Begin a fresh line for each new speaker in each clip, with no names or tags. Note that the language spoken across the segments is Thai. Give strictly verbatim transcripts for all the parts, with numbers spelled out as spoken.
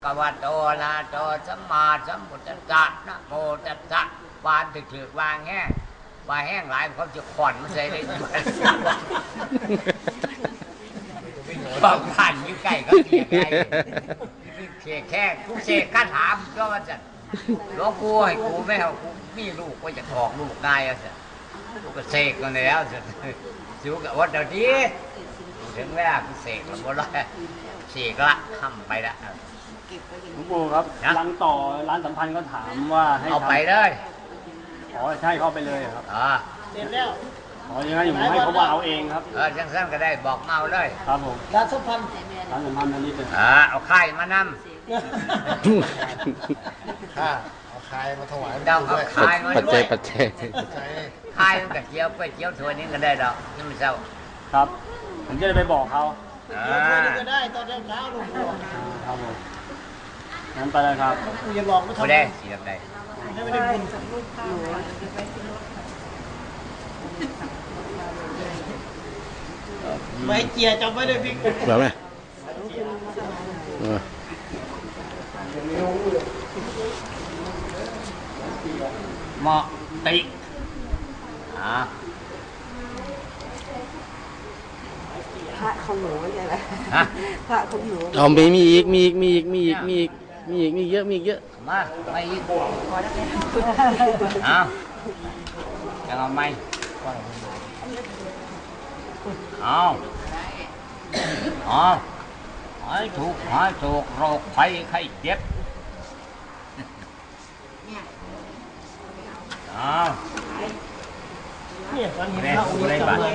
ะวะโตอะระหะโตสัมมาสัมพุทธัสสะนะโมตัสสะวานถึกๆวางแห้งวางแห้งหลายเขาจะขอนมาใส่ได้บอกผ่านอยู่ใกล้ก็เสียไกลเสียแค่กูเสกคาถามก็ว่าจะหลวงปู่ให้กูไม่เอากูมีลูกก็จะถอกลูกได้อ่ะสิกูก็เสกกันแล้วสิสิวกับวัดเดี๋ยวนี้ถึงเวลากูเสกแล้วบ่ได้เสกละทำไปละ
หลวงปู่ครับร้านต่อร้านสัมพันธ์ก็ถามว่าให้
เอาไปเลย
อ๋อใช่เข้าไปเลยครับ
อ่า
เสร็จแล้ว
อ๋อยังไงผมให้เขาว่าเอาเองครับ
เออจังสั้นก็ได้บอกเมาเลย
ครับผม
ร้านสัมพันธ์
ร้านสัมพันธ์อันนี้เป็น
อ่าเอาไข่มานำ
ข้าเอาคายมาถวาย
ดาวเอาไข่มา
ปัจ
ด้
จั
วย ย
ปัจจัย
ไข่มันกับเจียวไปเจียวถั่วนี้ก็ได้ดอกนี่มันเศร้า
ครับผมจะได้ไปบอกเขา
อ่า
ก็ได้ตอนเช้าลุงปู่
ครับผมงั้นไปเลยครับ
ปู่อย่าบอกว่าทำ
ไม่ได้สีแบบใด
ไม่ได้บุญไม่เจียจำไว้เลยพี่
แบบไหน
เหมาะติอ่า
พระของหนูใช่ไหม
ฮะ
พระของหนู
เอามีมีอีกมีอีกมีอีกมีอีกมีอีกมีอีกมีเยอะมีเยอะ
มาไม่อีกเอาจะเอาไหมเอาเอาหายถูกหายถูกโรคภัยไข้เจ็บเอา
เนี่ยตอนนี้
เล่น
พระองค์
เล่นบ้าน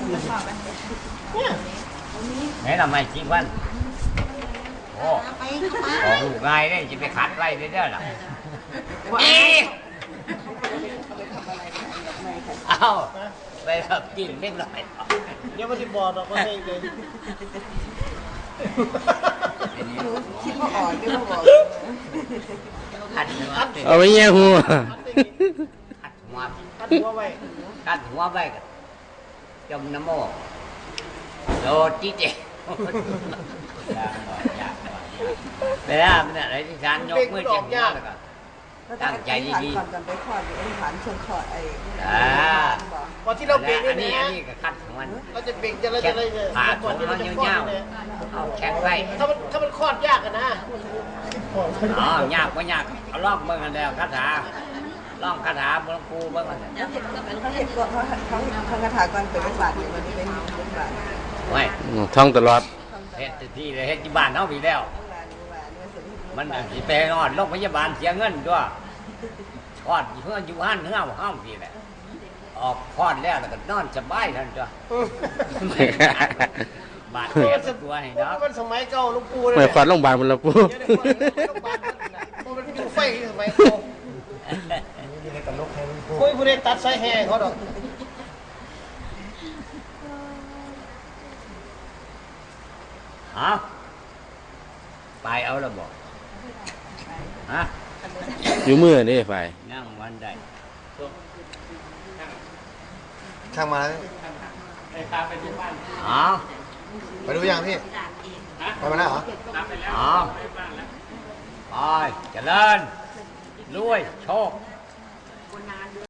ไหนทำไมจริงวันโอ้ของลูกง่ายเนี่ยจะไปขัดไล่ได้เด้อหรอเอาไปแบบกินเล็กน้อย
เดี๋ยวมันจะบอกเราก็ให้เลย
คิดว่าอ่อนไม่ว่าบอก
ขัดหัว
เอาไปแย่หัว
ขัดหัว
ขัดหัวไว้
ขัดหัวไว้กันจมน้ำโมโดดจิ๊เจไปแล้วเป็นอะไรที่ฉันยกมือเจ็บหัวแล้วก็ตั้งใจดี
ๆก่อนจะไปคลอดอธิษฐานชงคลอดไอ้
พอที่เราเบ่ง
อัน
นี่
นี้
นะ
อันนี้ก็คัดของมัน
เราจะเบ่งจะเราจะอะไรเนี่ยก่อนที่เราจะคลอดเนี่ย
แข็งไว้
ถ้ามันถ้ามันคลอดยากกันนะ
อ๋อยากก็ยากเอาล่องเบิ่งกันแล้วคาถาล่องคาถาหลวงปู่เบิ่งกัน
เขาเห็นก่อนเขาเขาเขาคาถาก่อนเป็นบาทเนี่ยมันเป็นเป็นบาท
ไว้
ท่องตลอด
เฮ็ดที่เลยเฮ็ดที่บ้านเฮาพี่แล้วมันสิไปนอนโรงพยาบาลเสียเงินด้วยคลอดเพื่ออยู่ห้านเฮือเฮาพี่แหละออกคลอดแล้วแล้วก็นอนสบายท่านจ้ะบาดเจ็บตัวให้เนาะ
มันสมัยเก่าลุงปู่
ไม่ควันโรงพยาบาลมันละปู
มันอยู่ไฟสมัยเก่าคุยผู้ใดตัดสายแห่เขาดอก
ฮะไปเอาแล้วบอกฮะ
อยู่มือนี่ไฟ
นั่งวันใด
ช่างมา
อ๋อ
ไปดูยังพี่ไปมาแล้วเหรอ
อ๋อไปเจริญรวยโชค